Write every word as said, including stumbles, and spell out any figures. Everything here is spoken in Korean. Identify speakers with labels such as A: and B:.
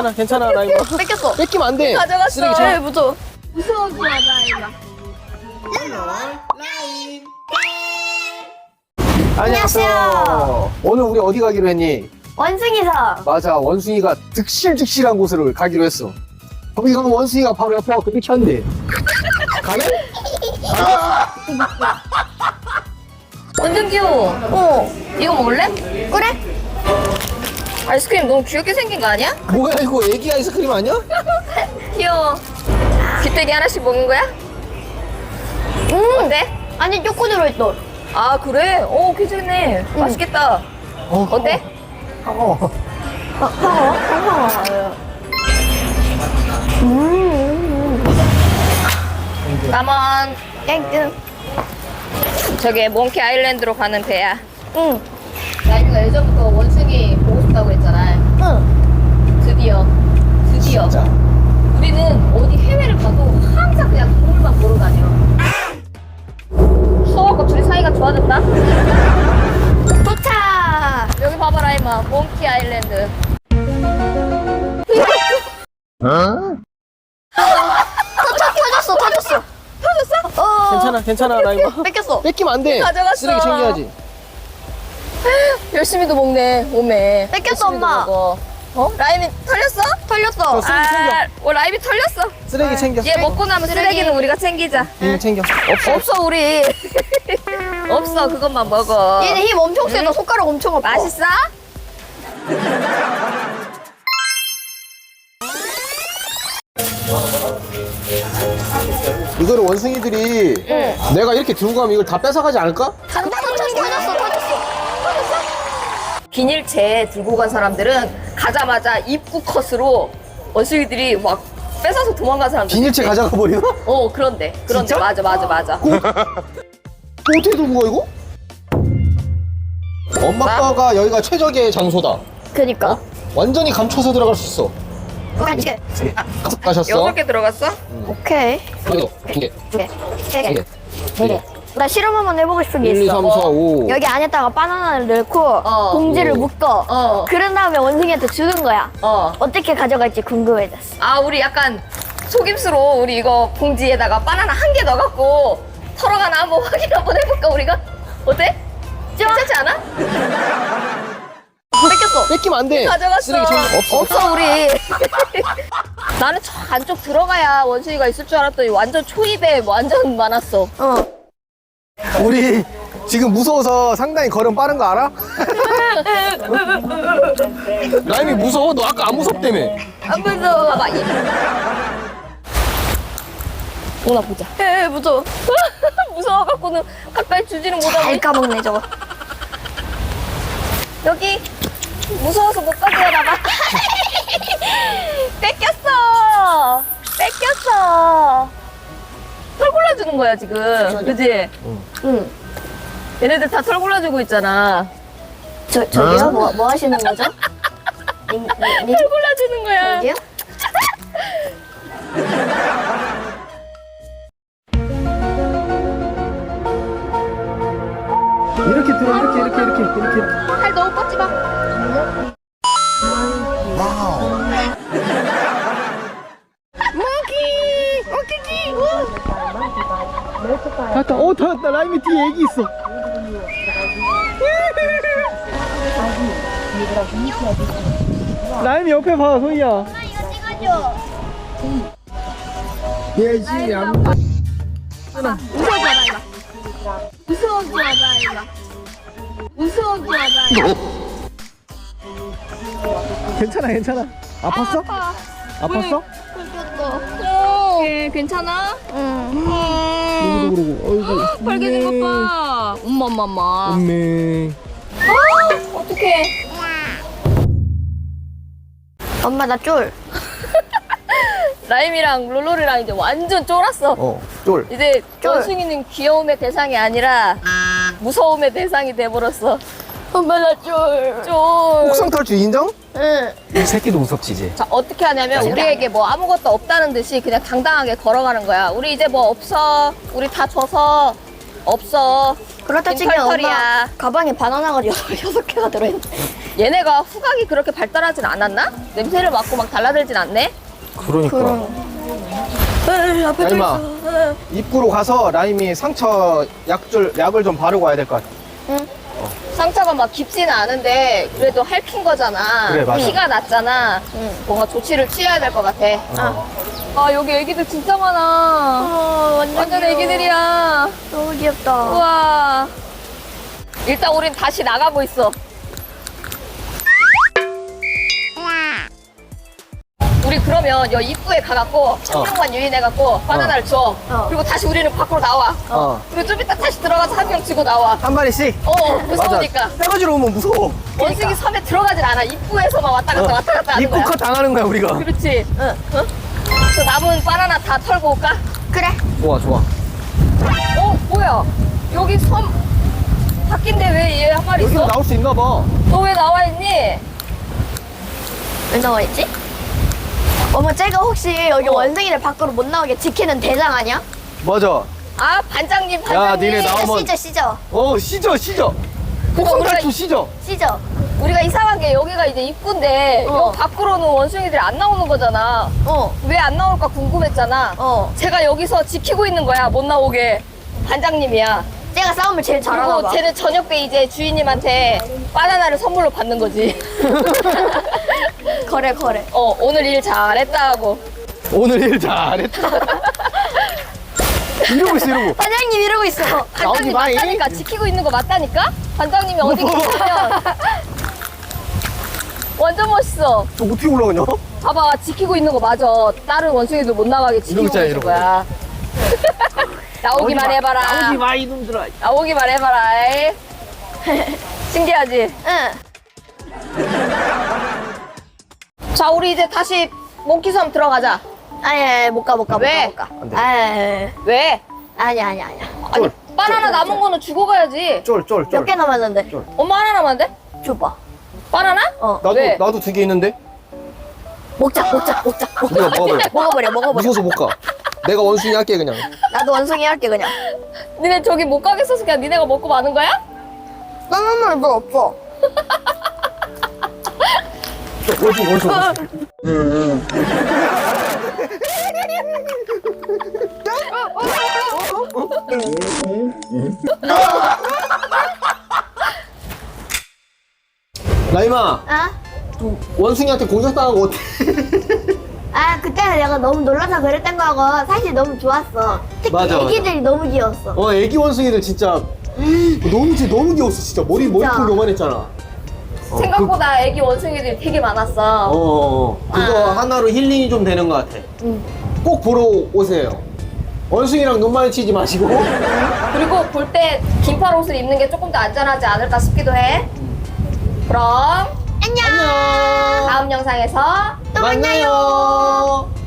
A: 괜찮아 괜찮아 라임아.
B: 뺏겼어.
A: 뺏기면 안 돼.
B: 가져갔어.
A: 쓰레기 쟁-
B: 네, 무서워.
C: 무서워지 마, 라임아.
A: 안녕하세요. 오늘 우리 어디 가기로 했니?
B: 원숭이섬.
A: 맞아, 원숭이가 득실득실한 곳으로 가기로 했어. 거기 가면 원숭이가 바로 옆에 와서 이렇게 한대. 가네?
B: 완전 귀여워. 어. 이거 먹을래? 그래. 아이스크림 너무 귀엽게 생긴 거 아니야?
A: 뭐야 이거 애기 아이스크림 아니야?
B: 귀여워. 귀때기 하나씩 먹는 거야? 음. 어때?
C: 아니, 초코 들어있어.
B: 아 그래? 오 괜찮네. 맛있겠다.
A: 어,
B: 어때?
A: 어.
B: 까만. 땡땡. 저게 몽키 아일랜드로 가는 배야. 응. 라이브가 예전부터 원숭이 보고 싶다고 했잖아. 응. 드디어. 드디어.
A: 진짜.
B: 우리는 어디 해외를 가도 항상 그냥 동물만 보러 다녀. 수호하고 둘이 사이가 좋아졌다. 도착! 여기 봐봐라, 이마. 몽키 아일랜드.
C: 터졌어, 터졌어.
B: 터졌어? 어.
A: 괜찮아 괜찮아 라임아.
B: 뺏겼어.
A: 뺏기면 안 돼.
B: 가져갔어.
A: 쓰레기 챙겨야지.
B: 열심히도 먹네, 오메.
C: 뺏겼어,
B: 열심히도
C: 엄마.
B: 먹어. 어? 라임이 털렸어?
C: 털렸어.
A: 어, 쓰레기 챙겨.
B: 아, 어, 라임이 털렸어.
A: 쓰레기 챙겨.
B: 얘 먹고 나면 쓰레기는 우리가 챙기자.
A: 응, 챙겨. 없어.
B: 없어, 우리. 없어, 그것만 먹어.
C: 얘는 힘 엄청 세다. 손가락 엄청 아파.
B: 맛있어?
A: 이거를 원숭이들이 내가 이렇게 들고 가면 이걸 다 뺏어가지 않을까?
C: 장난 엄청 터졌어, 터졌어.
B: 비닐채 들고 간 사람들은 가자마자 입구 컷으로 원숭이들이 막 뺏어서 도망간 사람들.
A: 비닐채 가져가 버려?
B: 어, 그런데. 그런데.
A: 진짜?
B: 맞아, 맞아, 맞아.
A: 어떻게 들고 가 이거? 엄마 아빠가 여기가 최적의 장소다.
C: 그니까.
A: 완전히 감춰서 들어갈 수 있어.
C: 같이.
A: 가셨어?
B: 여섯 개 들어갔어?
C: 오케이.
A: 여기 두 개,
C: 두 개. 세
A: 세
C: 개.
A: 개,
C: 네 개. 나 실험 한번 해보고 싶은 게
A: 일, 이,
C: 있어.
A: 삼, 사, 오.
C: 여기 안에다가 바나나를 넣고
B: 어.
C: 봉지를
A: 오.
C: 묶어.
B: 어.
C: 그런 다음에 원숭이한테 주는 거야.
B: 어.
C: 어떻게 가져갈지 궁금해졌어.
B: 아, 우리 약간 속임수로 우리 이거 봉지에다가 바나나 한 개 넣어갖고 털어가나 한번 확인 한번 해볼까, 우리가? 어때? 괜찮지 않아?
C: 뺏겼어.
A: 뺏기면 안 돼.
B: 가져갔어.
A: 쓰레기 챙겨. 없어.
B: 없어, 우리. 나는 저 안쪽 들어가야 원숭이가 있을 줄 알았더니 완전 초입에 완전 많았어.
C: 어.
A: 우리 지금 무서워서 상당히 걸음 빠른 거 알아? 라임이 무서워? 너 아까 안 무섭다며.
B: 안 무서워. 봐봐. 이- 오나 보자.
C: 에 무서워.
B: 무서워갖고는 가까이 주지는 못하고.
C: 잘 까먹네 저거.
B: 여기 무서워서 못 가져가나 봐. 뺏겼어. 뺏겼어. 털 골라주는 거야 지금. 그지?
C: 응.
B: 얘네들 다 털 골라주고 있잖아.
C: 저 저기요? 뭐 뭐 하시는 거죠? 님, 님,
B: 털 골라주는 거야.
C: 저기요?
A: 이렇게 들어, 이렇게, 이렇게, 이렇게, 이렇게. 이렇게.
B: 팔 너무 뻗지 마.
A: 닿았다. 어, 닿았다. 라임이 뒤에 애기 있어. 라임이 옆에 봐, 소희야. 예지, 안
C: 무서워지 마, 라임아. 무서워지 마, 라임아.
A: 괜찮아, 괜찮아. 아팠어? 아팠어?
B: 오, 예, 괜찮아?
A: 그러고, 그러고. 어이구.
B: 빨개진 것 봐. 엄마, 엄마, 엄마.
A: 엄매.
B: 어떡해.
C: 엄마 나 쫄.
B: 라임이랑 롤롤이랑 이제 완전 쫄았어.
A: 어, 쫄.
B: 이제
C: 쫄.
B: 원숭이는 귀여움의 대상이 아니라 무서움의 대상이 돼버렸어.
C: 엄마 나 쫄.
B: 쫄.
A: 옥상 탈출 인정?
C: 응.
A: 이 새끼도 무섭지, 이제.
B: 자, 어떻게 하냐면 우리에게 뭐 아무것도 없다는 듯이 그냥 당당하게 걸어가는 거야. 우리 이제 뭐 없어. 우리 다 져서 없어.
C: 그렇다
B: 빈
C: 치면
B: 털털이야.
C: 엄마 가방에 바나나가 여섯, 여섯 개가 들어있네.
B: 얘네가 후각이 그렇게 발달하진 않았나? 냄새를 맡고 막 달라들진 않네?
A: 그러니까.
B: 에이, 앞에 또
A: 라임아.
B: 있어. 에이.
A: 입구로 가서 라임이 상처 약줄, 약을 좀 바르고 와야 될 것 같아.
B: 상처가 막 깊지는 않은데 그래도 핥힌 거잖아.
A: 그래, 맞아.
B: 피가 났잖아. 뭔가 조치를 취해야 될 것 같아. 아. 아, 여기 애기들 진짜 많아.
C: 어, 완전,
B: 완전
C: 귀여워.
B: 애기들이야.
C: 너무 귀엽다.
B: 우와. 일단 우린 다시 나가고 있어. 우리 그러면 여 입구에 가갖고 한 명만 유인해갖고 바나나를 줘.
C: 어.
B: 그리고 다시 우리는 밖으로 나와.
A: 어.
B: 그리고 좀 이따 다시 들어가서 한 명 지고 나와.
A: 한 마리씩?
B: 어, 무서우니까.
A: 떼가지로 오면 무서워.
B: 원숭이 섬에 들어가진 않아. 입구에서만 왔다 갔다 왔다 갔다 하는
A: 입구
B: 거야.
A: 컷 당하는 거야, 우리가.
B: 그렇지. 응. 응? 그 남은 바나나 다 털고 올까?
C: 그래.
A: 좋아, 좋아.
B: 어, 뭐야? 여기 섬 바뀐데 왜 얘 한 마리
A: 여기로
B: 있어?
A: 나올 수 있나 봐.
B: 너 왜 나와 있니?
C: 왜 나와 있지? 어머, 쟤가 혹시 여기
B: 어.
C: 원숭이를 밖으로 못 나오게 지키는 대장 아니야?
A: 맞아.
B: 아, 반장님,
A: 야,
B: 반장님.
A: 니네 나오면-
C: 시저, 시저.
A: 어, 시저, 시저.
B: 그거
A: 폭풍
B: 우리가,
A: 탈출 시저.
C: 시저.
B: 우리가 이상한 게 여기가 이제 입구인데
C: 어.
B: 여 밖으로는 원숭이들이 안 나오는 거잖아.
C: 어,
B: 왜 안 나올까 궁금했잖아.
C: 어.
B: 제가 여기서 지키고 있는 거야, 못 나오게. 반장님이야.
C: 쟤가 싸움을 제일 잘하나
B: 그리고
C: 봐.
B: 쟤는 저녁 때 이제 주인님한테 바나나를 선물로 받는 거지.
C: 거래, 거래.
B: 어, 오늘 일 잘했다 하고.
A: 오늘 일 잘했다. 이러고 있어, 이러고.
C: 반장님 이러고 있어.
B: 반장님
A: 마이.
B: 맞다니까. 지키고 있는 거 맞다니까? 반장님이 어디 계시면 완전 멋있어.
A: 저 어떻게 올라가냐?
B: 봐봐, 지키고 있는 거 맞아. 다른 원숭이들 못 나가게 지키고
A: 이러고 있잖아,
B: 있는
A: 이러고.
B: 거야. 나오기만 해봐라.
A: 나오지 마, 이놈들아.
B: 나오기만 해봐라. 이. 신기하지?
C: 응.
B: 자, 우리 이제 다시 몽키섬 들어가자.
C: 아니, 아니, 못 가, 못 가,
B: 왜?
C: 못 가, 못
A: 안
C: 가.
A: 돼.
C: 아니,
B: 왜?
C: 아니, 아니, 아니.
B: 아니,
A: 쫄,
B: 바나나 남은 거는 주고 가야지.
A: 쫄, 쫄, 쫄.
C: 몇 개 남았는데?
A: 쫄.
B: 엄마 하나 남았는데?
C: 줘봐.
B: 바나나?
C: 어.
A: 나도,
B: 왜?
A: 나도 두 개 있는데?
C: 먹자, 먹자, 먹자.
A: 우리가 먹어버려.
C: 먹어버려, 먹어버려.
A: 무서워서 못 가. 내가 원숭이 할게, 그냥.
C: 나도 원숭이 할게, 그냥.
B: 니네 저기 못 가겠어서 그냥 니네가 먹고 마는 거야?
C: 나는 말도 없어.
A: 원숭이, 원숭이. 원숭이. 라임아,
C: 아?
A: 원숭이한테 공격당한 거 어때?
C: 아, 그때 내가 너무 놀라서 그랬던 거고, 사실 너무 좋았어. 특히
A: 맞아, 맞아.
C: 애기들이 너무 귀여웠어.
A: 어, 애기 원숭이들 진짜 너무 쟤 너무 귀여웠어, 진짜. 머리
C: 진짜.
A: 머리통 요만했잖아. 어,
B: 생각보다 애기 원숭이들이 되게
A: 그,
B: 많았어.
A: 어, 어, 그거
B: 아.
A: 하나로 힐링이 좀 되는 것 같아.
C: 응.
A: 꼭 보러 오세요. 원숭이랑 눈 마주치지 마시고.
B: 그리고 볼 때 긴팔 옷을 입는 게 조금 더 안전하지 않을까 싶기도 해. 그럼
C: 안녕!
A: 안녕.
B: 다음 영상에서
C: 또 만나요!
A: 만나요.